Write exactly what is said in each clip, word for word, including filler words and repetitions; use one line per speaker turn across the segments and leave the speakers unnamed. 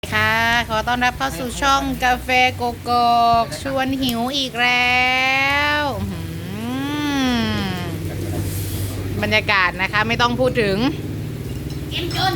ค่ะขอต้อนรับเข้าสู่ช่องกาแฟโกโก้ชวนหิวอีกแล้วบรรยากาศนะคะไม่ต้องพูดถึงเต็มจน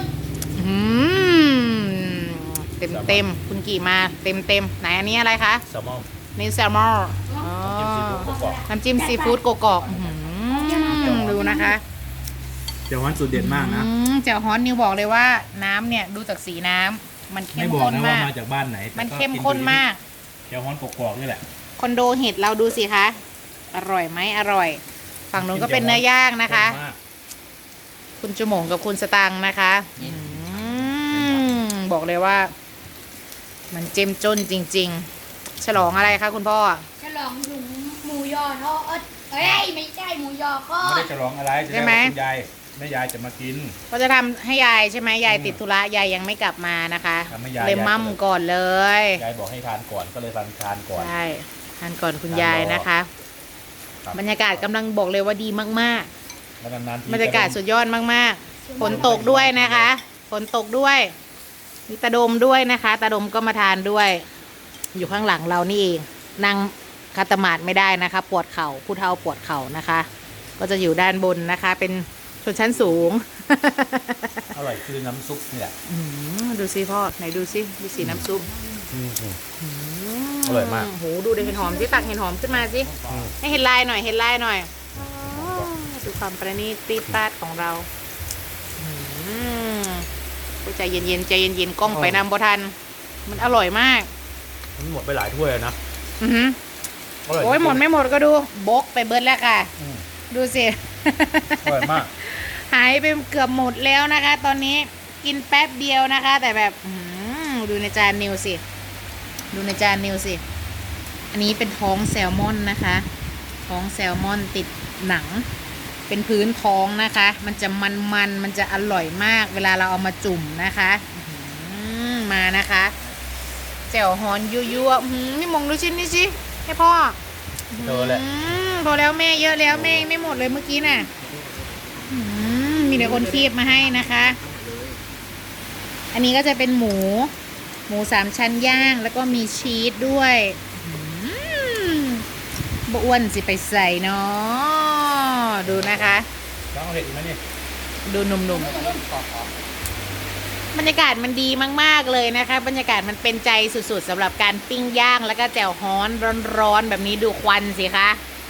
เต็มเต็มคุณกี่มาเต็มเต็มไหนอันนี้อะไรคะ
แซลมอน
นี่แซลมอนน้ำจิ้มซีฟู้ดโกโก้ดูนะคะ
เจ้าฮ้อนสูตรเด็ดมากนะ
เจ้าฮ้อนนิวบอกเลยว่าน้ำเนี่ยดูจากสีน้ำมันเข้มข้นมาก
มาจากบ้านไหน
มันเข้มข้นมาก
เจ้าฮ้อนกรอกๆนี่แหละ
คอนโดเห็ดเราดูสิคะอร่อยไหมอร่อยฝั่งนู้นก็เป็นเนื้อย่างนะคะคุณจมงกับคุณสตังนะคะบอกเลยว่ามันเจ้มจนจริงๆฉลองอะไรคะคุณพ่อ
ฉลองหลุมหมูยอทอดเอ้ยไม่ใช่หมูยอทอด
ไม่ได้ฉลองอะไรใช่ไหมคุณยายแม่ยายจะมากิน
ก็จะทำให้ยายใช่ไหมยายติดธุระยายยังไม่กลับมานะคะเลยมั่มก่อนเลย
ยายบอกให้ทานก่อนก็เลยทานทานก่อน
ใช่ทานก่อนคุณยายนะคะบรรยากาศกำลังบอกเลยว่าดีมากๆบรรยากาศสุดยอดมากๆฝนตกด้วยนะคะฝนตกด้วยมีตาดมด้วยนะคะตาดมก็มาทานด้วยอยู่ข้างหลังเรานี่เองนั่งคาตมาดไม่ได้นะคะปวดเข่าผู้เฒ่าปวดเข่านะคะก็จะอยู่ด้านบนนะคะเป็นชนชั้นสูง
อร่อยคือน้ำซุปเนี่ย
ดูสิพ่อไหนดูสิดูสีน้ำซุป
อร่อยมาก
โหดูเห็นหอมสิตักเห็นหอมขึ้นมาสิให้เห็นลายหน่อยเห็นลายหน่อยดูความประณีตตีปาดของเราใจเย็นๆใจเย็นๆกล้องไปนำบทันมันอร่อยมาก
มันหมดไปหลายถ้วยนะ
อือหือโอ้ยหมดไม่หมดก็ดูบกไปเบิร์ดแล้วค่ะดูสิ
อร่อยมาก
หายไปเกือบหมดแล้วนะคะตอนนี้กินแป๊บเดียวนะคะแต่แบบดูในจานนิวสิดูในจานนิวสิอันนี้เป็นท้องแซลมอนนะคะท้องแซลมอนติดหนังเป็นพื้นท้องนะคะมันจะมันมันมันจะอร่อยมากเวลาเราเอามาจุ่มนะคะมานะคะแจ่วฮอนยั่วๆนี่มองดูชิ้นนี้สิให้พ่อ
เจอแล้ว
พอแล้วแม่เยอะแล้วแม่ไม่หมดเลยเมื่อกี้น่ะมีแต่คนคีบมาให้นะคะอันนี้ก็จะเป็นหมูหมูสามชั้นย่างแล้วก็มีชีสด้วยบอ้วนสิไปใส่เนาะดูนะคะ
ต้องเห็ดไหมนี่
ดูหนุ่มๆบรรยากาศมันดีมากๆเลยนะคะบรรยากาศมันเป็นใจสุดๆสำหรับการปิ้งย่างแล้วก็แจ่วฮ้อนร้อนๆแบบนี้ดูควันสิคะ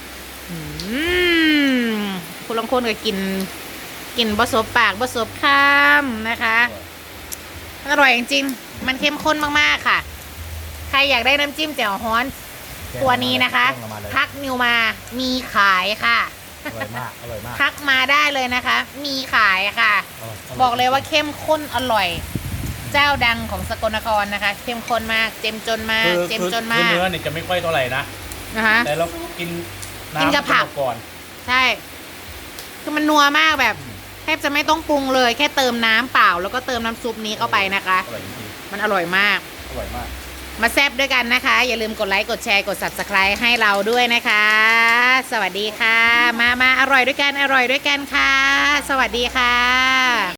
คุณลองคนก็กินกินบะสบปากบะสบข้ามนะคะอร่อยจริงๆมันเข้มข้นมากๆค่ะใครอยากได้น้ำจิ้มแจ่วฮ้อนตัวนี้นะคะทักนิวมามีขายค่ะ
อร่อยมากอร่อยมาก
ทักมาได้เลยนะคะมีขายค่ะบอกเลยว่าเข้มข้นอร่อยเจ้าดังของสกลนครนะคะเข้มข้นมากเจ็มจนมากเจ็มจนมาก
เนื้อเนี่ยจะไม่ค่อยเท่าไหร่นะ
นะคะ
แต่เรากิน
กินกับผัก
ก่อน
ใช่คือมันนัวมากแบบแทบจะไม่ต้องปรุงเลยแค่เติมน้ำเปล่าแล้วก็เติมน้ำซุปนี้เข้าไปนะคะมันอร่อยมาก
อร่อยมาก
มาแซ่บด้วยกันนะคะอย่าลืมกดไลค์กดแชร์กด ซับสไครบ์ ให้เราด้วยนะคะสวัสดีค่ะมามาอร่อยด้วยกันอร่อยด้วยกันค่ะสวัสดีค่ะ